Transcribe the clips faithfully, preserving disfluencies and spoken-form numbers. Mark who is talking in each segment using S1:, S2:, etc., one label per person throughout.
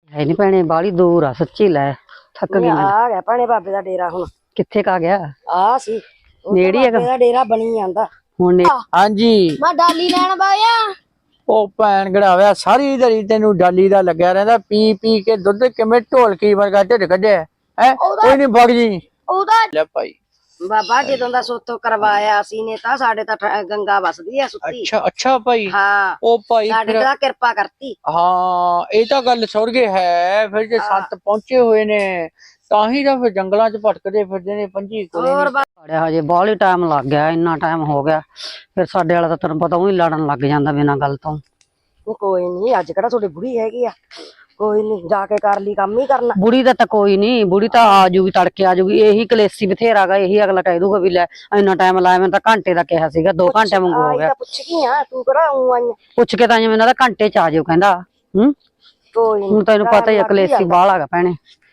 S1: है नहीं भैने बाली दूर आ सच्ची लै थक गई मैं।
S2: आ गया भैने बाबे दा डेरा हुण
S1: कित्थे का गया
S2: आ सी
S1: नेड़ी है
S2: बाबे दा डेरा बनी ਜਾਂਦਾ
S1: हुण ने
S3: हाँ जी
S2: मैं डाली लैन बाया
S3: ਉਹ ਭੈਣ ਗੜਾਵਿਆ ਸਾਰੀ ਦਿਹਾੜੀ ਤੈਨੂੰ ਡਾਲੀ ਦਾ ਲੱਗਿਆ ਰਹਿੰਦਾ ਪੀ ਪੀ ਕੇ ਦੁੱਧ ਕਿਵੇਂ ਢੋਲਕੀ ਵਰਗਾ ਢਿੱਡ ਕੱਢਿਆ ਹੈ ਕੋਈ ਨਹੀਂ ਵਗ ਜੀ
S2: ਉਹਦਾ
S3: ਲੈ ਭਾਈ
S2: ਬਾਬਾ ਜਦੋਂ ਦਾ ਸੋਤੋਂ ਕਰਵਾਇਆ ਸੀ ਨੇ ਤਾਂ ਸਾਡੇ ਤਾਂ ਠ- ਗੰਗਾ ਵਸਦੀ ਆ ਸੁੱਤੀ
S3: ਅੱਛਾ ਅੱਛਾ ਭਾਈ
S2: ਹਾਂ
S3: ਉਹ ਭਾਈ
S2: ਸਾਡੇ
S3: ਫਿਰ-
S2: ਤਾਂ ਕਿਰਪਾ ਕਰਤੀ
S3: ਹਾਂ ਇਹ ਤਾਂ ਗੱਲ ਸੁਰਗੇ ਹੈ ਫਿਰ ਜੇ ਸੰਤ ਪਹੁੰਚੇ ਹੋਏ ਨੇ ਤਾਂ ਹੀ ਤਾਂ ਫਿਰ ਜੰਗਲਾਂ 'ਚ ਭਟਕਦੇ ਫਿਰਦੇ ਨੇ ਪੰਜੀ ਕੋਲੇ
S2: ਹੋਰ ਬਾ-
S1: अड़िया हजे बाली टाइम लग गया इन्ना टाइम हो गया फिर साडे वाला तो तेन पता ही लड़न लग जांदा बिना गल तो।
S2: ਕੋਈ ਨਹੀਂ ਅੱਜ ਕਿਹੜਾ ਤੁਹਾਡੀ ਬੁੜੀ ਹੈਗੀ ਆ ਕੋਈ ਨਹੀਂ ਜਾ ਕੇ ਕਰ ਲਈ ਕੰਮ ਹੀ ਕਰਨਾ
S1: बुढ़ी दा तो कोई नहीं बुढ़ी तो आ जूगी तड़के आ जूगी यही कलेसी बथेरा गा यही अगला कह दूगा भी लै इन्ना टाइम लाया मैं तो घंटे का कहा सीगा दो घंटे मंगो हो
S2: ਆਈ
S1: गया
S2: ਤਾਂ ਪੁੱਛ ਗਈ ਆ ਤੂੰ ਕਿਹੜਾ ਉਂ ਆਈ ਆਂ?
S1: पुछ के तां मैंने घंटे च आ जाओ कहंदा हूं
S2: ਕੋਈ ਨਹੀਂ
S1: हुण तैनूं पता ही है कलेसी बाल आ भैने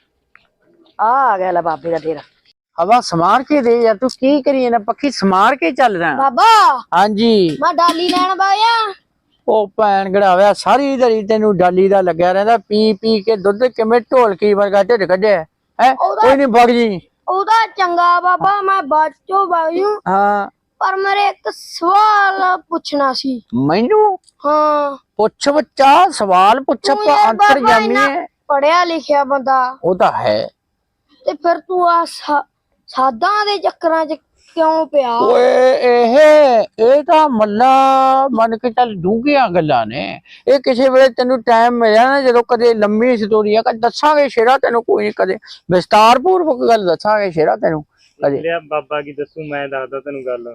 S2: ਆ ਆ ਗਿਆ ਲੈ ਬਾਬੇ ਦਾ ਡੇਰਾ
S3: ਹਵਾ ਸਮਾਰ ਕੇ ਦੇ ਯਾਰ ਤੂੰ ਕੀ ਕਰੀ ਨਾ ਪੱਖੀ ਸਮਾਰ ਕੇ ਚੱਲ ਰਿਹਾ
S2: ਬਾਬਾ
S3: ਹਾਂਜੀ
S2: ਮੈਂ ਡਾਲੀ ਲੈਣ ਬਾਇਆ
S3: ਉਹ ਭੈਣ ਗੜਾਵਿਆ ਸਾਰੀ ਦਿਹਾੜੀ ਤੈਨੂੰ ਡਾਲੀ ਦਾ ਲੱਗਿਆ ਰਹਿੰਦਾ ਪੀ ਪੀ ਕੇ ਦੁੱਧ ਕਿਵੇਂ ਢੋਲਕੀ ਵਰਗਾ ਢਿੱਡ ਕੱਢਿਆ ਹੈ ਕੋਈ ਨਹੀਂ ਵਗ ਜੀ
S2: ਉਹਦਾ ਚੰਗਾ ਬਾਬਾ ਮੈਂ ਬਾਚੋ ਬਾਜੂ
S3: ਹਾਂ
S2: ਪਰ ਮੇਰੇ ਇੱਕ ਸਵਾਲ ਪੁੱਛਣਾ ਸੀ
S3: ਮੈਨੂੰ
S2: ਹਾਂ
S3: ਪੁੱਛ ਬੱਚਾ ਸਵਾਲ ਪੁੱਛ
S2: ਤੂੰ
S3: ਆਪਾਂ
S2: ਯਾਰ ਬਾਬਾ
S3: ਅੰਤਰਜਾਮੀ
S2: ਇੰਨਾ
S3: ਹੈ
S2: ਪੜਿਆ ਲਿਖਿਆ ਬੰਦਾ
S3: ਉਹ ਤਾਂ ਹੈ
S2: ਤੇ ਫਿਰ ਤੂੰ ਆ ਸਾਦਾਂ ਦੇ ਚੱਕਰਾਂ 'ਚ ਕਿਉਂ ਪਿਆ
S3: ਓਏ ਇਹ ਇਹ ਤਾਂ ਮੱਲਾ ਮੰਨ ਕੇ ਚੱਲ ਡੂੰਘੀਆਂ ਗੱਲਾਂ ਨੇ ਇਹ ਕਿਸੇ ਵੇਲੇ ਤੈਨੂੰ ਟਾਈਮ ਮਿਲਿਆ ਨਾ ਜਦੋਂ ਕਦੇ ਲੰਮੀ ਸਟੋਰੀ ਆ ਕਦੇ ਦੱਸਾਂਗੇ ਸ਼ੇਰਾ ਤੈਨੂੰ ਕੋਈ ਨਹੀਂ ਕਦੇ ਵਿਸਤਾਰ ਪੂਰਵਕ ਗੱਲ ਦੱਸਾਂਗੇ ਸ਼ੇਰਾ ਤੈਨੂੰ ਕਦੇ
S4: ਲਿਆ ਬਾਬਾ ਕੀ ਦੱਸੂ ਮੈਂ ਦੱਸਦਾ ਤੈਨੂੰ ਗੱਲ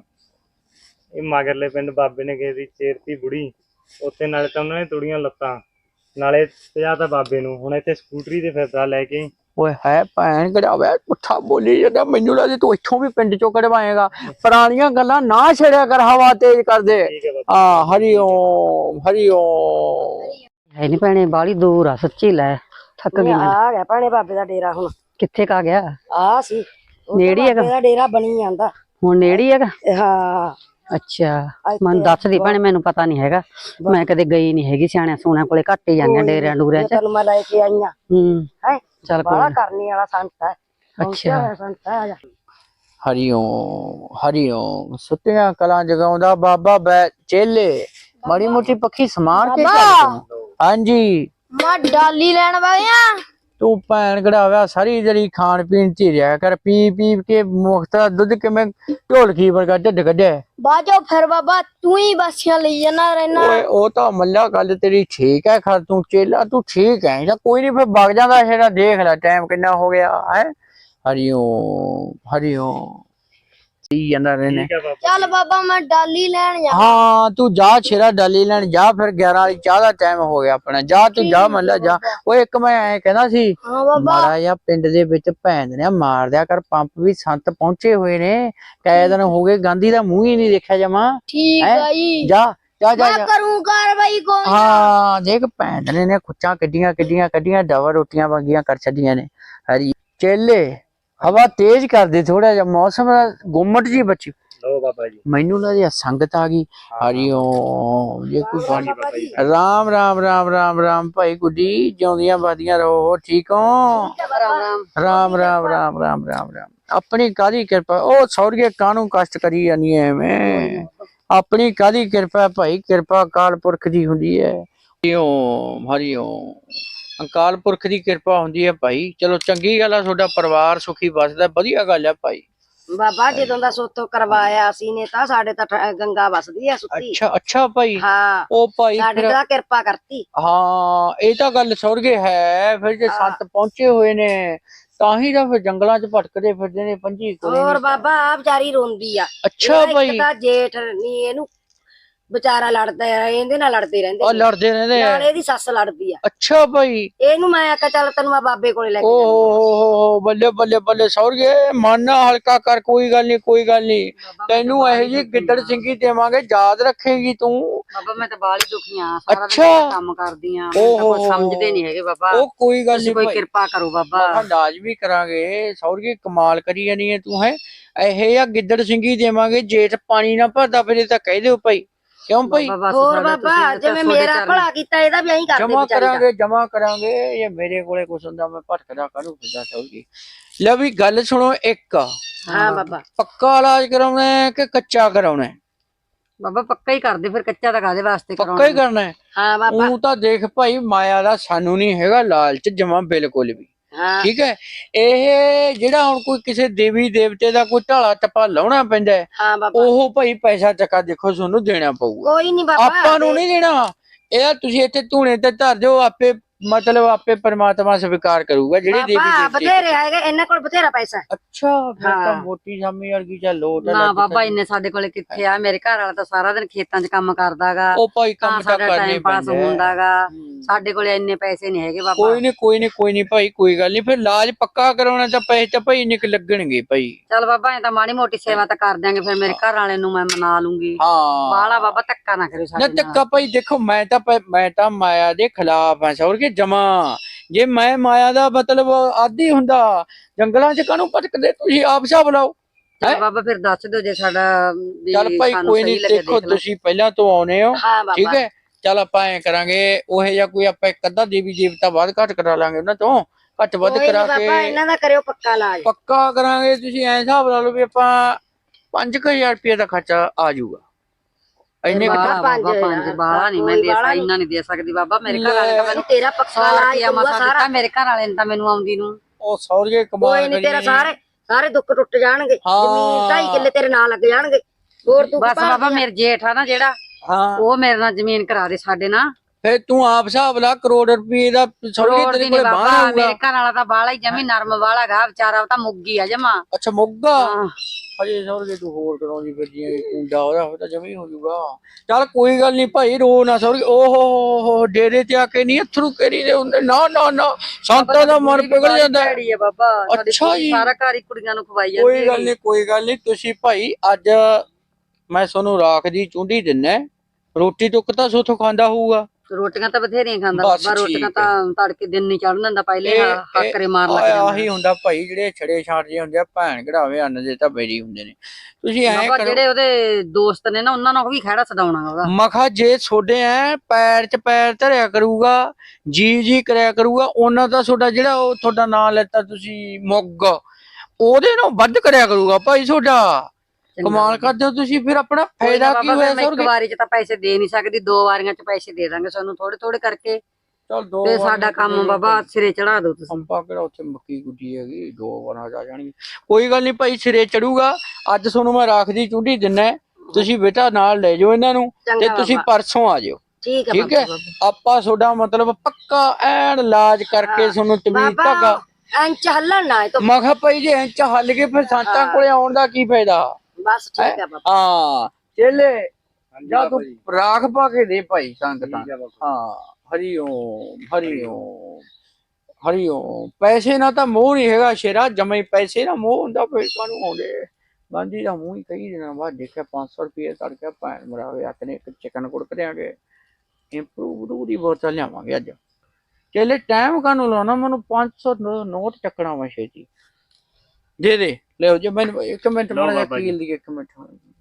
S4: ਇਹ ਮਗਰਲੇ ਪਿੰਡ ਬਾਬੇ ਨੇ ਕਿਸੇ ਦੀ ਚੇਰਤੀ ਬੁੜੀ ਉੱਥੇ ਨਾਲੇ ਤਾਂ ਉਹਨਾਂ ਨੇ ਤੁੜੀਆਂ ਲੱਤਾਂ ਨਾਲੇ ਪਿਆ ਤਾਂ ਬਾਬੇ ਨੂੰ ਹੁਣ ਇੱਥੇ ਸਕੂਟਰੀ ਤੇ ਫਿਰਦਾ ਲੈ ਕੇ
S3: ਓਏ ਹੈ ਭੈਣ ਕਢਾਵੇ ਪੁੱਠਾ ਬੋਲੀ ਜਾਂਦਾ ਮੈਨੂੰ ਲੱਗਦਾ ਤੂੰ ਇੱਥੋਂ ਵੀ ਪਿੰਡ ਚੋਂ ਕਢਵਾਏਗਾ ਪੁਰਾਣੀਆਂ ਗੱਲਾਂ ਨਾ ਛੇੜਿਆ ਕਰ ਹਵਾ ਤੇਜ਼ ਕਰ ਦੇ
S4: ਠੀਕ ਹੈ ਬਾਬਾ
S3: ਆ ਹਰੀ ਓਮ ਹਰੀ ਓਮ
S1: है नहीं भैने बाली दूर आ सच्ची लै थक गई मैं।
S2: ਆ ਗਿਆ ਭੈਣੇ ਬਾਬੇ ਦਾ ਡੇਰਾ ਹੁਣ
S1: कित्थे का गया
S2: ਆ ਸੀ
S1: ਨੇੜੇ ਹੈਗਾ?
S2: ਬਾਬੇ ਦਾ ਡੇਰਾ ਬਣੀ ਜਾਂਦਾ
S1: हुण नेड़ी हैगा
S2: ਹਾਂ
S1: अच्छा
S2: ਇੱਥੇ
S1: मैं दस दी भैने मैनू पता नहीं हैगा मैं कदे गई नहीं हैगी सियाणियां सूणियां कोले घट ही जाने डेरियां डूरियां च
S2: ਤੈਨੂੰ ਮੈਂ ਲੈ ਕੇ ਆਈਆਂ
S1: हूं
S2: ਹੈ
S1: चल
S2: ਬਾਲਾ
S1: कोई
S2: ਕਰਨੀ ਵਾਲਾ ਸੰਤ ਹੈ
S3: ਅੱਛਾ।
S2: ਪਹੁੰਚਿਆ ਹੋਇਆ ਸੰਤ ਹੈ ਆ ਜਾ
S3: ਹਰੀ ਓਮ ਹਰੀ ਓਮ ਸੁੱਤਿਆਂ ਕਲਾਂ ਜਗਾਉਂਦਾ ਬਾਬਾ ਬੈ ਚੇਲੇ ਮਾੜੀ ਮੋਟੀ ਪੱਖੀ ਸਮਾਰ ਕੇ ਚੱਲ ਤੂੰ। ਹਾਂਜੀ
S2: ਮੈਂ ਡਾਲੀ ਲੈਣ ਵਾਲਿਆ
S3: ਤੂੰ ਭੈਣ ਗੜਾਵਿਆ ਸਾਰੀ ਜਿਹੜੀ ਖਾਣ ਪੀਣ ਚ ਹੀ ਰਿਹਾ ਕਰ ਪੀ ਪੀ ਕੇ ਮੁਖਤ ਦੁੱਧ ਕਿਵੇਂ ਢੋਲਕੀ ਵਰਗਾ ਢਿੱਡ ਕੱਢਿਆ
S2: ਬਾਜੋ ਫਿਰ ਬਾਬਾ ਤੂੰ ਹੀ ਬਾਸੀਆਂ ਲਈ ਜਾਣਾ ਰਹਿਣਾ
S3: ਓਏ ਉਹ ਤਾਂ ਮੱਲਾ ਗੱਲ ਤੇਰੀ ਠੀਕ ਹੈ ਖਰ ਤੂੰ ਚੇਲਾ ਤੂੰ ਠੀਕ ਹੈ ਜਾਂ ਕੋਈ ਨਹੀਂ ਫਿਰ ਵਗ ਜਾਂਦਾ ਜਿਹੜਾ ਦੇਖ ਲੈ ਟਾਈਮ ਕਿੰਨਾ ਹੋ ਗਿਆ ਹੈ ਹਰੀ ਓਮ ਹਰੀ ਓਮ ਕੀ ਜਾਂਦਾ ਰਹਿਣੇ
S4: ਠੀਕ ਹੈ ਬਾਬਾ
S2: ਚੱਲ ਬਾਬਾ ਮੈਂ ਡਾਲੀ ਲੈਣ ਜਾ
S3: ਹਾਂ ਤੂੰ ਜਾ ਛੇਰਾ ਡਾਲੀ ਲੈਣ ਜਾ ਫਿਰ ਗਿਆਰਾਂ ਵਾਲੀ ਚਾਹ ਦਾ ਟਾਈਮ ਹੋ ਗਿਆ ਆਪਣਾ ਜਾ ਤੂੰ ਜਾ ਮੱਲਾ ਜਾ ਓਏ ਇੱਕ ਮੈਂ ਐ ਕਹਿੰਦਾ ਸੀ
S2: ਹਾਂ ਬਾਬਾ
S3: ਮਾੜਾ ਜਿਹਾ ਪਿੰਡ ਦੇ ਵਿੱਚ ਭੈਣ ਨੇ ਮਾਰ ਦਿਆ ਕਰ ਪੰਪ ਵੀ ਸੰਤ ਪਹੁੰਚੇ ਹੋਏ ਨੇ ਕਈ ਦਿਨ ਹੋ ਗਏ ਗਾਂਧੀ ਦਾ ਮੂੰਹ ਹੀ ਨਹੀਂ ਦੇਖਿਆ ਜਮਾ
S2: ਠੀਕ
S3: ਹੈਂ?
S2: ਆ ਜੀ
S3: ਜਾ ਜਾ ਜਾ
S2: ਮੈਂ
S3: ਜਾ
S2: ਕਰੂੰ ਕਾਰਵਾਈ ਕੋਈ
S3: ਹਾਂ ਦੇਖ ਭੈਣ ਨੇ ਨੇ ਖੁੱਚਾਂ ਕੱਢੀਆਂ ਕੱਢੀਆਂ ਕੱਢੀਆਂ ਡਬਲ ਰੋਟੀਆਂ ਵੰਗੀਆਂ ਕਰ ਛੱਡੀਆਂ ਨੇ ਹਰੀ ਚੇਲੇ ਹਵਾ ਤੇਜ਼ ਕਰ ਦੇ ਥੋੜਾ ਜਿਹਾ ਮੌਸਮ ਗੁੰਮਟ ਜੀ ਬੱਚੀ
S4: ਲਓ ਬਾਬਾ ਜੀ
S3: ਮੈਨੂੰ ਲੱਗਦਾ ਸੰਗਤ ਆ ਗਈ ਹਰੀ ਓਮ ਜੇ ਕੋਈ ਬਾਣੀ
S4: ਬਾਬਾ ਜੀ
S3: ਰਾਮ ਰਾਮ ਰਾਮ ਰਾਮ ਰਾਮ ਭਾਈ ਗੁੱਡੀ ਜਿਉਂਦੀਆਂ ਬਾਦੀਆਂ ਰਹੋ ਠੀਕ ਹੋ ਰਾਮ ਰਾਮ ਰਾਮ ਰਾਮ ਰਾਮ ਰਾਮ ਆਪਣੀ ਕਾਦੀ ਕਿਰਪਾ ਉਹ ਸੌਰਗੇ ਕਾਹਨੂੰ ਕਸ਼ਟ ਕਰੀ ਜਾਨੀ ਐਵੇਂ ਆਪਣੀ ਕਾਦੀ ਕਿਰਪਾ ਭਾਈ ਕਿਰਪਾ ਅਕਾਲ ਪੁਰਖ ਦੀ ਹੁੰਦੀ ਹੈ ਹਰੀ ਓਮ ਹਰੀ ਓਮ ਅਕਾਲ ਪੁਰਖ ਦੀ ਕਿਰਪਾ ਹੁੰਦੀ ਹੈ ਭਾਈ ਚਲੋ ਚੰਗੀ ਗੱਲ ਆ ਤੁਹਾਡਾ ਪਰਿਵਾਰ ਸੁਖੀ ਵਸਦਾ ਵਧੀਆ ਗੱਲ ਹੈ ਭਾਈ
S2: ਬਾਬਾ ਜਦੋਂ ਦਾ ਸੋਤੋਂ ਕਰਵਾਇਆ ਸੀ ਨੇ ਤਾਂ ਸਾਡੇ ਤਾਂ ਠ- ਗੰਗਾ ਵਸਦੀ ਆ ਸੁੱਤੀ
S3: ਅੱਛਾ ਅੱਛਾ ਭਾਈ
S2: ਹਾਂ
S3: ਉਹ ਭਾਈ
S2: ਸਾਡੇ
S3: ਫਿਰ
S2: ਤਾਂ ਕਿਰਪਾ ਕਰਤੀ
S3: ਹਾਂ ਇਹ ਤਾਂ ਗੱਲ ਸੁਰਗੇ ਹੈ ਫਿਰ ਜੇ ਸੰਤ ਪਹੁੰਚੇ ਹੋਏ ਨੇ ਤਾਂ ਹੀ ਤਾਂ ਫਿਰ ਜੰਗਲਾਂ 'ਚ ਭਟਕਦੇ ਫਿਰਦੇ ਨੇ ਪੰਜੀ ਕੋਲੇ
S2: ਹੋਰ ਬਾਬਾ ਆ ਵਿਚਾਰੀ ਰੋਂਦੀ ਆ
S3: ਅੱਛਾ
S2: ਇਹਦਾ
S3: ਭਾਈ
S2: ਇੱਕ ਤਾਂ ਜੇਠ ਨਹੀਂ ਇਹਨੂੰ ਵਿਚਾਰਾ ਲੜਦਾ ਆ ਇਹਦੇ ਨਾਲ ਲੜਦੇ ਰਹਿੰਦੇ
S3: ਉਹ
S2: ਨੇ।
S3: ਲੜਦੇ ਰਹਿੰਦੇ ਆ
S2: ਨਾਲ ਇਹਦੀ ਸੱਸ ਲੜਦੀ ਆ
S3: ਅੱਛਾ ਭਾਈ
S2: ਇਹਨੂੰ ਮੈਂ ਆਖਿਆ ਚੱਲ ਤੈਨੂੰ ਮੈਂ ਬਾਬੇ ਕੋਲੇ ਲੈ ਕੇ
S3: ਓ
S2: ਜਾਂਦੀ
S3: ਹੋ ਹੋ ਹੋ ਬੱਲੇ ਬੱਲੇ ਬੱਲੇ ਸੁਰਗੇ ਮਨ ਨਾ ਹਲਕਾ ਕਰ ਕੋਈ ਗੱਲ ਨਹੀਂ ਕੋਈ ਗੱਲ ਨਹੀਂ ਤੈਨੂੰ ਇਹੋ ਜੀ ਗਿੱਦੜ ਸਿੰਘੀ ਦੇਵਾਂਗੇ ਯਾਦ ਰੱਖੇਗੀ ਤੂੰ
S1: बाबा मैं तो बाली दुखी हां सारा
S3: अच्छा।
S1: दिन काम करदी हां मैं तो कुछ समझदे नहीं हैगे बाबा
S3: ਉਹ ਕੋਈ ਗੱਲ
S1: तुसी
S3: ਨਹੀਂ
S1: कोई कृपा करो बाबा
S3: ਅੰਦਾਜ਼ ਵੀ ਕਰਾਂਗੇ ਸੌਰਗੀ ਕਮਾਲ ਕਰੀ ਜਾਨੀ ਹੈ ਤੂੰ ਹੈ ਇਹ ਆ ਗਿੱਦੜ ਸਿੰਘੀ ਦੇਵਾਂਗੇ ਜੇਠ ਪਾਣੀ ਨਾ ਭਰਦਾ ਫਿਰ ਤਾਂ ਕਹਿ ਦਿਓ ਭਾਈ ਕਿਉਂ ਭਾਈ?
S1: ਬਾਬਾ ਬਸ
S2: ਹੋਰ
S1: ਸਾਡਾ
S2: ਬਾਬਾ
S1: ਤੁਸੀਂ ਤਾਂ
S2: ਜਿਵੇਂ
S1: ਤੁਹਾਡੇ
S2: ਮੇਰਾ
S1: ਚਰਨ-
S2: ਭਲਾ ਕੀਤਾ ਇਹਦਾ ਵੀ ਐਂ ਕਰਦੇ
S3: ਜਮਾ
S2: ਵਿਚਾਰੀ ਦਾ।
S3: ਕਰਾਂਗੇ ਜਮਾ ਕਰਾਂਗੇ। ਇਹ ਮੇਰੇ ਕੋਲੇ ਕੁਛ ਹੁੰਦਾ ਮੈਂ ਭਟਕਦਾ ਕਾਹਨੂੰ ਫਿਰਦਾ ਸੌਰਗੀ। ਲੈ ਵੀ ਗੱਲ ਸੁਣੋ ਇੱਕ,
S2: ਹਾਂ ਬਾਬਾ
S3: ਪੱਕਾ ਇਲਾਜ ਕਰਾਉਣਾ ਹੈ ਕਿ ਕੱਚਾ ਕਰਾਉਣਾ ਹੈ?
S1: ਬਾਬਾ ਪੱਕਾ ਹੀ ਕਰਦੇ ਫਿਰ, ਕੱਚਾ ਤਾਂ ਕਾਹਦੇ ਵਾਸਤੇ
S3: ਪੱਕਾ ਹੀ ਕਰਨਾ ਹੈ।
S2: ਹਾਂ ਬਾਬਾ
S3: ਉਹ ਤਾਂ ਦੇਖ ਭਾਈ ਮਾਇਆ ਦਾ ਸਾਨੂੰ ਨਹੀਂ ਹੈਗਾ ਲਾਲਚ ਜਮਾ ਬਿਲਕੁਲ ਵੀ।
S2: ਹਾਂ
S3: ਠੀਕ ਹੈ, ਇਹ ਜਿਹੜਾ ਹੁਣ ਕੋਈ ਕਿਸੇ ਦੇਵੀ ਦੇਵਤੇ ਦਾ ਕੋਈ ਢਾਲਾ ਟੱਪਾ ਲਾਉਣਾ ਪੈਂਦਾ ਹੈ,
S2: ਹਾਂ ਬਾਬਾ
S3: ਉਹ ਭਾਈ ਪੈਸਾ ਚੱਕਾ ਦੇਖੋ ਤੁਹਾਨੂੰ ਦੇਣਾ ਪਊਗਾ।
S2: ਕੋਈ ਨਹੀਂ ਬਾਬਾ
S3: ਆਪਾਂ ਨੂੰ ਨਹੀਂ ਦੇਣਾ। ਇਹ ਤੁਸੀਂ ਇੱਥੇ ਧੂਣੇ ਤੇ ਧਰ ਦਿਓ, ਆਪੇ ਮਤਲਬ ਆਪੇ ਪਰਮਾਤਮਾ ਸਵੀਕਾਰ ਕਰੂਗਾ ਜਿਹੜੇ ਦੇਵੀ
S2: ਬਾਬਾ
S3: ਦੇਵਤੇ।
S2: ਬਥੇਰੇ ਹੈਗੇ ਇਹਨਾਂ ਕੋਲ ਬਥੇਰਾ ਪੈਸਾ ਹੈ।
S3: ਅੱਛਾ ਫਿਰ ਤਾਂ
S2: ਹਾਂ।
S3: ਮੋਟੀ ਸਾਮੀ ਵਰਗੀ ਚੱਲ ਲੋਟ ਆ
S1: ਨਾ
S3: ਲੱਗ
S1: ਬਾਬਾ
S3: ਪੈਂਦੀ।
S1: ਇੰਨੇ ਸਾਡੇ ਕੋਲੇ ਕਿੱਥੇ ਆ, ਮੇਰੇ ਘਰ ਵਾਲਾ ਤਾਂ ਸਾਰਾ ਦਿਨ ਖੇਤਾਂ 'ਚ ਕੰਮ ਕਰਦਾਗਾ,
S3: ਉਹ ਭਾਈ
S1: ਤਾਂ
S3: ਕੰਮ ਤਾਂ
S1: ਸਾਡਾ
S3: ਕਰਨੇ
S1: ਟਾਈਮ ਪਾਸ
S3: ਪੈਂਦਾ ਹੈ।
S1: ਹੁੰਦਾਗਾ।
S3: ਹੂੰ।
S1: ਸਾਡੇ ਕੋਲੇ ਇੰਨੇ ਪੈਸੇ ਨਹੀਂ ਹੈਗੇ ਬਾਬਾ।
S3: ਕੋਈ ਨਹੀਂ ਕੋਈ ਨਹੀਂ ਕੋਈ ਨਹੀਂ ਭਾਈ, ਕੋਈ ਗੱਲ ਨਹੀਂ। ਫਿਰ ਇਲਾਜ ਪੱਕਾ ਕਰਾਉਣਾ ਤਾਂ ਪੈਸੇ ਤਾਂ ਭਾਈ ਨਿਕ ਲੱਗਣਗੇ ਭਾਈ।
S1: ਚੱਲ ਬਾਬਾ ਇਹ ਤਾਂ ਮਾੜੀ ਮੋਟੀ ਸੇਵਾ ਤਾਂ ਕਰ ਦਿਆਂਗੇ, ਫਿਰ ਮੇਰੇ ਘਰ ਵਾਲੇ ਨੂੰ ਮੈਂ ਮਨਾ ਲੂੰਗੀ।
S3: ਹਾਂ
S1: ਬਾਲਾ ਬਾਬਾ ਧੱਕਾ ਨਾ ਕਰਿਓ
S3: ਨਾ
S1: ਸਾਡੇ ਨਾਲ।
S3: ਧੱਕਾ ਭਾਈ ਦੇਖੋ, ਮੈਂ ਤਾਂ ਪ- ਮੈਂ ਤਾਂ ਮਾਇਆ ਦੇ ਖਿਲਾਫ ਆ ਸੌਰ ਕੇ ਜਮਾ। ਜੇ ਮੈਂ ਮਾਇਆ ਦਾ ਮਤਲਬ ਆਦੀ ਹੁੰਦਾ ਜੰਗਲਾਂ 'ਚ ਕਾਹਨੂੰ ਭਟਕਦੇ, ਤੁਸੀਂ ਆਪ ਹਿਸਾਬ ਲਾਓ।
S1: ਚੱਲ ਬਾਬਾ ਫਿਰ ਦੱਸ ਦਿਓ ਜੇ ਸਾਡਾ ਵੀ
S3: ਚੱਲ ਭਾਈ
S1: ਸਾਨੂੰ
S3: ਕੋਈ
S1: ਸਹੀ
S3: ਨਹੀਂ,
S1: ਲੱਗੇ
S3: ਦੇਖੋ
S1: ਦੇਖ ਲਓ।
S3: ਤੁਸੀਂ ਪਹਿਲਾਂ ਤੋਂ ਆਉਨੇ ਹੋ,
S2: ਹਾਂ ਬਾਬਾ
S3: ਠੀਕ ਹੈ। ਚੱਲ ਆਪਾਂ ਐ ਕਰਾਂਗੇ, ਉਹ ਜਿਹਾ ਕੋਈ ਆਪਾਂ ਇੱਕ ਅੱਧਾ ਦੇਵੀ ਦੇਵਤਾ ਬਾਅਦ ਘੱਟ ਕਰਾ ਲਾਂਗੇ ਉਹਨਾਂ ਤੋਂ, ਘੱਟ ਵੱਧ
S2: ਕੋਈ ਨੀ
S3: ਕਰਾ
S2: ਬਾਬਾ
S3: ਕੇ
S2: ਇਹਨਾਂ ਦਾ ਕਰਿਓ ਪੱਕਾ ਇਲਾਜ।
S3: ਪੱਕਾ ਕਰਾਂਗੇ। ਤੁਸੀਂ ਐ ਹਿਸਾਬ ਲਾ ਲਓ ਵੀ ਆਪਾਂ ਪੰਜ ਕੁ ਹਜ਼ਾਰ ਰੁਪਏ ਦਾ ਖਰਚਾ ਆ ਜਾਊਗਾ। ਇੰਨੇ ਕੁ-
S1: ਬਾਲਾ
S2: ਪੰਜ
S1: ਬਾਬਾ ਪੰਜ
S2: ਹਜ਼ਾਰ,
S1: ਬਾਲਾ ਨਹੀਂ ਮੈਂ
S2: ਕੋਈ
S1: ਦੇ
S2: ਬਾਹਲਾ
S1: ਸਕਦੀ,
S2: ਨੀ।
S1: ਇੰਨਾ ਨਹੀਂ ਦੇ ਸਕਦੀ ਬਾਬਾ। ਮੇਰੇ ਘਰ ਵਾਲੇ ਤਾਂ ਮੈਨੂੰ
S2: ਤੇਰਾ ਪੱਕਾ
S1: ਸੌ
S2: ਇਲਾਜ
S1: ਰੁਪਿਆ
S2: ਕਰੂਗਾ
S1: ਮਸਾ
S2: ਸਾਰਾ।
S1: ਦਿੱਤਾ, ਮੇਰੇ ਘਰ ਵਾਲੇ ਨੇ ਤਾਂ ਮੈਨੂੰ ਆਉਂਦੀ ਨੂੰ।
S3: ਉਹ ਸੌਰਗੇ ਕਮਾਲ
S2: ਕੋਈ ਨਹੀਂ ਤੇਰਾ
S3: ਕਰੀ।
S2: ਸਾਰੇ ਸਾਰੇ ਦੁੱਖ ਟੁੱਟ ਜਾਣਗੇ।
S3: ਹਾਂ।
S2: ਜ਼ਮੀਨ ਢਾਈ ਕਿੱਲੇ ਤੇਰੇ ਨਾਲ ਲੱਗ ਜਾਣਗੇ। ਹੋਰ ਤੂੰ
S1: ਬਸ ਬਾਬਾ ਮੇਰੇ ਜੇਠ ਆ ਨਾ ਜਿਹੜਾ,
S3: ਹਾਂ
S1: ਉਹ ਮੇਰੇ ਨਾਲ ਜ਼ਮੀਨ ਕਰਾ ਦੇ ਸਾਡੇ ਨਾਲ।
S3: ਫੇ ਤੂੰ ਆਪ ਹਿਸਾਬ ਲਾ, ਕਰੋੜ ਰੁਪਏ ਦਾ ਸੌਰਗੇ
S1: ਕਰੋੜ
S3: ਤੇਰੇ
S1: ਦੀ
S3: ਕੋਲੇ
S1: ਨਹੀਂ
S3: ਬਾਹਰ
S1: ਬਾਬਾ,
S3: ਆਊਗਾ।
S1: ਮੇਰੇ ਘਰ ਵਾਲਾ ਤਾਂ ਬਾਲਾ ਹੀ ਜਮੀ ਨਰਮ ਵਾਲਾ ਗਾ ਵਿਚਾਰਾ, ਉਹ ਤਾਂ ਮੁੱਗੀ ਆ ਜਮਾ।
S3: ਅੱਛਾ ਮੁੱਗਾ
S1: ਹਾਂ।
S3: ਹਜੇ ਸੌਰਗੇ ਤੂੰ ਹੋਰ ਕਰਾਉਂਦੀ ਫਿਰਦੀ ਕੁੰਡਾ ਉਹਦਾ ਉਹ ਤਾਂ ਜਮੀ ਹੋ ਜਾਊਗਾ। ਚੱਲ ਕੋਈ ਗੱਲ ਨਹੀਂ ਭਾਈ, ਰੋ ਨਾ ਸੌਰਗੇ। ਓਹ ਹੋ ਡੇਰੇ ਤੇ ਆ ਕੇ ਨਹੀਂ ਅਥਰੂ ਕਰੀ ਦੇ ਹੁੰਦੇ, ਨਾ ਨਾ ਨਾ ਸੰਤਾਂ ਦਾ ਮਨ ਪਿਘਲ ਜਾਂਦਾ ਹੈ।
S1: ਭੈੜੀ ਆ ਬਾਬਾ, ਸਾਡੀ
S3: ਅੱਛਾ
S1: ਕੁੜੀ
S3: ਜੀ।
S1: ਸਾਰਾ ਘਰ ਹੀ ਕੁੜੀਆਂ ਨੂੰ ਖਵਾਈ ਜਾਂਦੀ
S3: ਕੋਈ ਗੱਲ
S1: ਹੈਗੀ।
S3: ਨਹੀਂ ਕੋਈ ਗੱਲ ਨਹੀਂ। ਤੁਸੀਂ ਭਾਈ ਅੱਜ ਮੈਂ ਤੁਹਾਨੂੰ ਰਾਖ ਦੀ ਚੁੰਡੀ ਦਿੰਨਾ, ਰੋਟੀ ਟੁੱਕ ਤਾਂ ਸੋਥੋਂ ਖਾਂਦਾ ਹੋਊਗਾ।
S1: ਰੋਟੀਆਂ ਤਾਂ ਬਥੇਰੀਆਂ ਖਾਂਦਾ
S3: ਬਸ
S1: ਬਾਬਾ,
S3: ਠੀਕ
S1: ਰੋਟੀਆਂ
S3: ਹੈ।
S1: ਤਾਂ ਤੜਕੇ ਦਿਨ ਨਹੀਂ ਚੜਨ ਦਿੰਦਾ, ਪਹਿਲੇ
S3: ਇਹ-
S1: ਹਾਕਰੇ ਮਾਰ ਲੱਗ
S3: ਆਹ-
S1: ਜਾਂਦਾ।
S3: ਆਹੀ ਹੁੰਦਾ ਭਾਈ, ਜਿਹੜੇ ਛੜੇ ਛਾਟ ਜੇ ਹੁੰਦੇ ਆ, ਭੈਣ ਘੜਾਵੇ ਅੰਨ ਦੇ ਤਾਂ ਬੇਰੀ ਹੁੰਦੇ ਨੇ। ਤੁਸੀਂ ਐ
S1: ਬਾਬਾ
S3: ਕਰੋ,
S1: ਜਿਹੜੇ ਉਹਦੇ ਦੋਸਤ ਨੇ ਨਾ, ਉਹਨਾਂ ਨੂੰ ਵੀ ਖਹਿੜਾ ਛਡਾਉਣਾ ਉਹਦਾ।
S3: ਮਖਾ ਜੇ ਛੋਡੇ ਐ ਪੈਰ 'ਚ ਪੈਰ ਧਰਿਆ ਕਰੂਗਾ, ਜੀ ਜੀ ਕਰਿਆ ਕਰੂਗਾ, ਉਹਨਾਂ ਦਾ ਤੁਹਾਡਾ ਜਿਹੜਾ ਉਹ ਤੁਹਾਡਾ ਨਾਂ ਲੈਤਾ ਤੁਸੀਂ ਮੁੱਗ, ਉਹਦੇ ਨਾਲ ਵੱਧ ਕਰਿਆ ਕਰੂਗਾ ਭਾਈ ਤੁਹਾਡਾ। ਕਮਾਲ ਕਰਦੇ ਹੋ ਤੁਸੀਂ। ਫਿਰ ਆਪਣਾ ਫਾਇਦਾ ਕੀ
S1: ਬਾਬਾ
S3: ਹੋਇਆ
S1: ਫਿਰ ਮੈਂ ਇੱਕ
S3: ਸੌਰਗੇ?
S1: ਵਾਰੀ ਚ ਤਾਂ ਪੈਸੇ ਦੇ ਨਹੀਂ ਸਕਦੀ, ਦੋ ਵਾਰੀਆਂ ਚ ਪੈਸੇ ਦੇ ਦਾਂਗੇ ਤੁਹਾਨੂੰ ਥੋੜੇ ਥੋੜੇ ਕਰਕੇ,
S3: ਚੱਲ ਦੋ
S1: ਤੇ
S3: ਵਾਰੀਆਂ
S1: ਸਾਡਾ ਕੰਮ ਬਾਬਾ ਸਿਰੇ ਚੜਾ ਦਿਓ ਤੁਸੀਂ।
S3: ਅੰਪਾ ਕਿਹੜਾ ਉੱਥੇ ਮੱਕੀ ਗੁੱਡੀ ਹੈਗੀ, ਦੋ ਵਾਰਾਂ ਆ ਜਾਣਗੇ। ਕੋਈ ਗੱਲ ਨਹੀਂ ਭਾਈ, ਸਿਰੇ ਚੜੂਗਾ। ਅੱਜ ਤੁਹਾਨੂੰ ਮੈਂ ਰਾਖਦੀ ਚੁੰਡੀ ਦਿੰਨਾ, ਤੁਸੀਂ ਬੇਟਾ ਨਾਲ ਲੈ ਜਾਓ ਇਹਨਾਂ ਨੂੰ, ਤੇ
S2: ਚੰਗਾ
S3: ਤੁਸੀਂ
S2: ਬਾਬਾ।
S3: ਪਰਸੋਂ ਆ ਜਾਓ।
S2: ਠੀਕ ਹੈ
S3: ਠੀਕ ਹੈ,
S2: ਬਾਬਾ।
S3: ਆਪਾਂ ਤੁਹਾਡਾ ਮਤਲਬ ਪੱਕਾ ਐਨ ਇਲਾਜ ਕਰਕੇ ਤੁਹਾਨੂੰ ਤਮੀਜ਼ ਧਾਗਾ।
S2: ਬਾਬਾ ਇੰਚ ਹੱਲਣ ਨਾ ਇਹ ਤੋਂ।
S3: ਮੈਂ ਕਿਹਾ ਭਾਈ ਜੇ ਇੰਚ ਹੱਲ ਕੇ ਫਿਰ ਸੰਤਾਂ ਕੋਲੇ ਆਉਣ ਦਾ ਕੀ ਫਾਇਦਾ।
S2: ਬਸ ਠੀਕ ਹੈ ਬਾਬਾ।
S3: ਹਾਂ ਚੇਲੇ ਜਾ ਤੂੰ ਰਾਖ ਪਾ ਕੇ ਦੇ ਭਾਈ ਸੰਗਤਾਂ। ਹਾਂ ਹਰੀ ਓਮ ਹਰੀ ਓਮ ਹਰੀ ਓਮ। ਪੈਸੇ ਨਾਲ ਤਾਂ ਮੋਹ ਨਹੀਂ ਹੈਗਾ ਸ਼ੇਰਾ, ਜਮੇ ਪੈਸੇ ਨਾਲ ਮੋਹ ਹੁੰਦਾ ਫਿਰ ਕਾਹਨੂੰ ਆਉਂਦੇ। ਗਾਂਧੀ ਦਾ ਮੂੰਹ ਹੀ ਕਈ ਦਿਨਾਂ ਬਾਅਦ ਦੇਖਿਆ ਪੰਜ ਸੌ ਰੁਪਏ ਤੜਕੇ ਭੈਣ ਮਰਾਵੇ ਆਖਨੇ ਇੱਕ ਚਿਕਨ ਕੁੜਕ ਦਿਆਂਗੇ, ਇੰਪਰੂਵ ਦੀ ਬੋਤਲ ਲਿਆਵਾਂਗੇ ਅੱਜ। ਚੇਲੇ ਟਾਈਮ ਕਾਹਨੂੰ ਲਾਉਣਾ, ਮੈਨੂੰ ਪੰਜ ਸੌ ਨੋਟ ਚੱਕਣਾ ਵਾ ਛੇਤੀ। ਦੇ ਦੇ ਲਿਓ ਜੇ ਮੈਨੂੰ ਇੱਕ ਮਿੰਟ ਮਾੜਾ ਜਿਹਾ ਕੀਲ ਦੀ ਇੱਕ ਮਿੰਟ।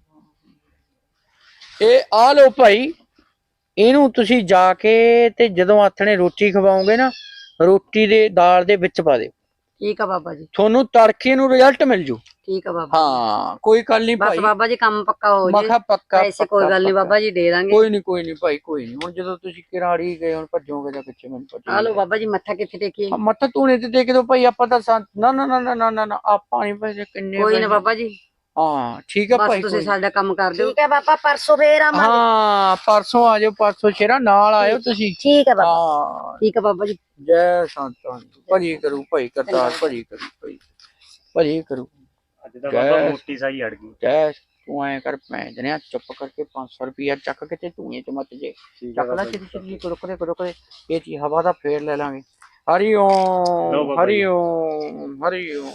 S3: ਇਹ ਆ ਲਓ ਭਾਈ, ਇਹਨੂੰ ਤੁਸੀਂ ਜਾ ਕੇ ਤੇ ਜਦੋਂ ਆਥਣੇ ਰੋਟੀ ਖਵਾਓਗੇ ਨਾ, ਰੋਟੀ ਦੇ ਦਾਲ ਦੇ ਵਿੱਚ ਪਾ ਦਿਓ।
S1: ਠੀਕ ਆ ਬਾਬਾ ਜੀ,
S3: ਤੁਹਾਨੂੰ ਤੜਕੇ ਨੂੰ ਰਿਜ਼ਲਟ ਮਿਲ ਜੂ।
S1: ਠੀਕ ਆ ਬਾਬਾ।
S3: ਹਾਂ ਕੋਈ ਗੱਲ ਨਹੀਂ
S1: ਬਸ
S3: ਭਾਈ,
S1: ਬਾਬਾ ਜੀ ਕੰਮ ਪੱਕਾ ਹੋ
S3: ਮੈਂ
S1: ਜੇ,
S3: ਕਿਹਾ ਪੱਕਾ
S1: ਪੈਸੇ ਕੋਈ ਗੱਲ ਨਹੀਂ ਬਾਬਾ ਜੀ ਦੇ ਦਾਂਗੇ।
S3: ਕੋਈ ਨਹੀਂ ਕੋਈ ਨਹੀਂ ਭਾਈ ਕੋਈ ਨਹੀਂ। ਹੁਣ ਜਦੋਂ ਤੁਸੀਂ ਕਿਰਾੜੀ ਗਏ ਹੁਣ ਭੱਜੋਗੇ ਜਾਂ ਪਿੱਛੇ ਮੈਨੂੰ ਪਤਾ
S1: ਆ ਲਓ ਬਾਬਾ ਜੀ, ਮੱਥਾ ਕਿੱਥੇ ਟੇਕੀਏ?
S3: ਮੱਥਾ ਧੂਣੇ ਤੇ ਟੇਕ ਦਿਓ ਭਾਈ। ਆਪਾਂ ਤਾਂ ਸੰਤ- ਨਾ ਨਾ ਨਾ ਨਾ ਨਾ ਨਾ ਨਾ ਆਪਾਂ ਨਹੀਂ ਪੈਸੇ ਕਿੰਨੇ
S1: ਕੋਈ ਨਾ
S3: ਪੈਸੇ-
S1: ਬਾਬਾ ਜੀ,
S3: ਹਾਂ ਠੀਕ ਆ
S1: ਬਸ
S3: ਭਾਈ
S1: ਤੁਸੀਂ
S3: ਕੋਈ-
S1: ਸਾਡਾ ਕੰਮ ਕਰ ਦਿਓ।
S2: ਠੀਕ ਹੈ ਬਾਬਾ, ਪਰਸੋਂ ਫੇਰ ਆਵਾਂਗੇ।
S3: ਹਾਂ ਪਰਸੋਂ ਆ ਜਾਓ, ਪਰਸੋਂ ਸ਼ੇਰਾ ਨਾਲ ਆਇਓ ਤੁਸੀਂ।
S2: ਠੀਕ ਹੈ ਬਾਬਾ।
S3: ਹਾਂ
S1: ਠੀਕ ਆ ਬਾਬਾ ਜੀ।
S3: ਜੈ ਸੰਤਾਂ ਦੀ ਭਲੀ ਕਰੂ ਭਾਈ, ਕਰਤਾਰ ਭਲੀ ਕਰੂ ਭਾਈ, ਭਲੀ ਕਰੂ।
S4: ਅੱਜ ਤਾਂ ਬਾਬਾ ਮੋਟੀ ਸਾਈ ਅੜ ਗਈ।
S3: ਜੈ ਤੂੰ ਐ ਕਰ ਭੈਣ ਜਣਿਆ, ਚੁੱਪ ਕਰਕੇ ਪੰਜ ਸੌ ਰੁਪਇਆ ਚੱਕ ਕੇ ਤੇ ਧੂਏ ਚ ਮੱਤ ਜੇ ਚੱਕ ਲੈ ਛੇਤੀ ਛੇਤੀ, ਰੁਕਦੇ ਰੁਕਦੇ ਇਹ ਚੀ ਹਵਾ ਦਾ ਫੇਰ ਲੈ ਲਾਂਗੇ। ਹਰੀ ਓਮ ਹਰੀ ਓਮ ਹਰੀ ਓਮ।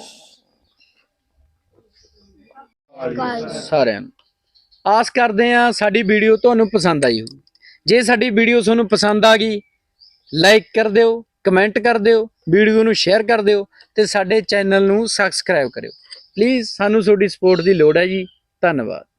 S3: ਸਾਰਿਆਂ ਨੂੰ ਆਸ ਕਰਦੇ ਆ ਸਾਡੀ ਵੀਡੀਓ ਤੁਹਾਨੂੰ ਪਸੰਦ ਆਈ ਹੋਊ। ਜੇ ਸਾਡੀ ਵੀਡੀਓ ਤੁਹਾਨੂੰ ਪਸੰਦ ਆ ਗਈ, ਲਾਈਕ ਕਰ ਦਿਓ, ਕਮੈਂਟ ਕਰ ਦਿਓ, ਵੀਡੀਓ ਨੂੰ ਸ਼ੇਅਰ ਕਰ ਦਿਓ ਤੇ ਸਾਡੇ ਚੈਨਲ ਨੂੰ ਸਬਸਕ੍ਰਾਈਬ ਕਰਿਓ। ਪਲੀਜ਼ ਸਾਨੂੰ ਤੁਹਾਡੀ ਸਪੋਰਟ ਦੀ ਲੋੜ ਹੈ ਜੀ। ਧੰਨਵਾਦ।